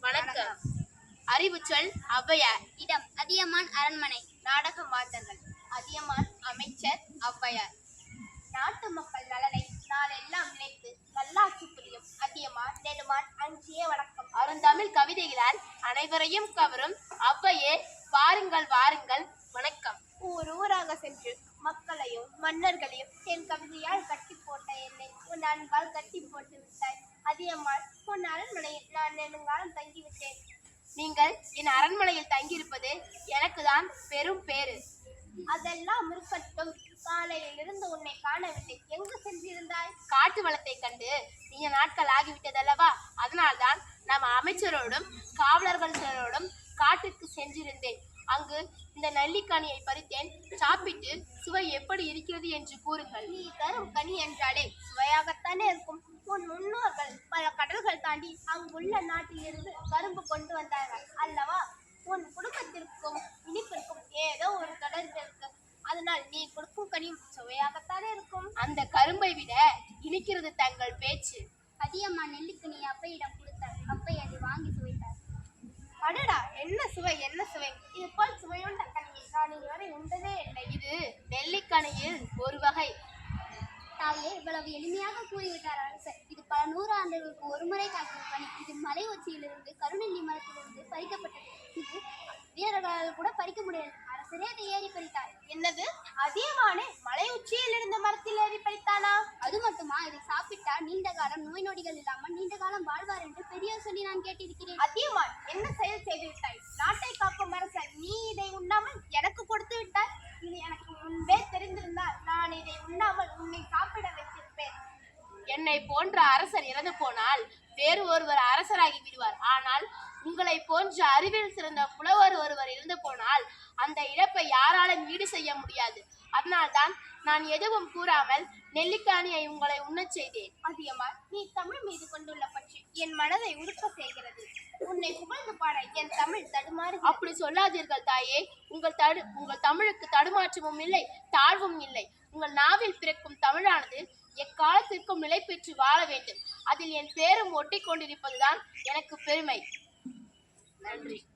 வணக்கம். அறிவுச்சொல் ஔவையார். இடம் அதியமான் அரண்மனை. நாடக மாந்தர்கள். அதியமான் அமைச்சர் ஔவையார். நாட்டு மக்கள் நலனை நாளெல்லாம் நினைத்து நல்லாட்சி புரியும் அதியமான் நெடுமான் அஞ்சிய வணக்கம். அருந்தமிழ் கவிதைகளால் அனைவரையும் கவரும் ஔவையே வாருங்கள் வாருங்கள் வணக்கம். ஊர் ஊராக சென்று மக்களையும் மன்னர்களையும் என் கவிதையால் கட்டி போட்ட என்னை உன் அன்பால் கட்டி போட்டு விட்டாய் அதியமான். உன் அரண்மனையில் நான் நெடுங்காலம் தங்கிவிட்டேன். நீங்கள் என் அரண்மனையில் தங்கியிருப்பது எனக்கு தான் பெரும் பேறு. அதெல்லாம் இருக்கட்டும், காலையில் இருந்து உன்னை காணவில்லை. எங்கு சென்றிருந்தாய்? காட்டு வளத்தை கண்டு நீண்ட நாட்கள் ஆகிவிட்டதல்லவா, அதனால்தான் நம் அமைச்சரோடும் காவலர்கள் சிலரோடும் காட்டுக்கு சென்றிருந்தேன். அங்கு இந்த நெல்லிக்கனியை பறித்தேன். சாப்பிட்டு சுவை எப்படி இருக்கிறது என்று கூறுங்கள். நீ தரும் கனி என்றாலே சுவையாகத்தானே இருக்கும். உன் முன்னோர்கள் பல கடல்கள் தாண்டி அங்குள்ள நாட்டிலிருந்து கரும்பு கொண்டு வந்தார்கள் அல்லவா? உன் குடும்பத்திற்கும் இனிப்பிற்கும் ஏதோ ஒரு தொடர்பு இருக்கு. அதனால் நீ கொடுக்கும் கனியும் சுவையாகத்தானே இருக்கும். அந்த கரும்பை விட இனிக்கிறது தங்கள் பேச்சு. அதியமான் நெல்லிக்கனி அப்பையிடம் கொடுத்தார். அப்பை அதை வாங்கி சுவைத்தார். அடடா, என்ன சுவை என்ன சுவை! இது போல் சுவையுண்ட கனியை நான் இதுவரை உண்டதே இல்லை. இது நெல்லிக்கனியில் ஒரு வகை. தாயே, இவ்வளவு எளிமையாக கூறிவிட்டார் அரசர். இது பல 100 ஆண்டுகளுக்கு ஒருமுறை காய்க்கும் கனி. இது மலை உச்சியிலிருந்து கருநெல்லி மரத்திலிருந்து பறிக்கப்பட்டது. இது வீரர்களால் கூட பறிக்க முடியாது. அரசரே அதை ஏறி பறித்தார். என்னது, அதியமானே மலை உச்சியில் இருந்த மரத்தில் ஏறி பறித்தானா? அது மட்டுமா, இதை சாப்பிட்டால் நீண்ட காலம் நோய் நொடிகள் இல்லாமல் நீண்ட காலம் வாழ்வார் என்று பெரியோர் சொல்லி நான் கேட்டிருக்கிறேன். அதியமான், என்ன செயல் செய்து விட்டாய்? நாட்டை காக்கும் அரசர் நீ இதை உண்ணாமல் எனக்கு கொடுத்து விட்டாய். இது எனக்கு முன்பே தெரிந்திருந்தால் நான் இதை உண்ணாமல் உன்னை சாப்பிட வைத்திருப்பேன். என்னை போன்ற அரசர் இறந்து போனால் வேறு ஒருவர் அரசராகி விடுவார். ஆனால் உங்களை போன்ற அறிவில் சிறந்த புலவர் ஒருவர் இறந்து போனால் அந்த இழப்பை யாராலும் ஈடு செய்ய முடியாது. அதனால்தான் நான் எதுவும் கூறாமல் நெல்லிக்கனியை உங்களை உண்ணச் செய்தேன். அதியமான், நீ தமிழ் மீது கொண்டுள்ள பற்றி என் மனதை உருக்க செய்கிறது. உன்னை புகழ்ந்து பாட என் தமிழ் தடுமாறு. அப்படி சொல்லாதீர்கள் தாயே. உங்கள் தமிழுக்கு தடுமாற்றமும் இல்லை, தாழ்வும் இல்லை. உங்கள் நாவில் பிறக்கும் தமிழானது எக்காலத்திற்கும் நிலை பெற்று வாழ வேண்டும். அதில் என் பேரும் ஒட்டி கொண்டிருப்பதுதான் எனக்கு பெருமை. நன்றி.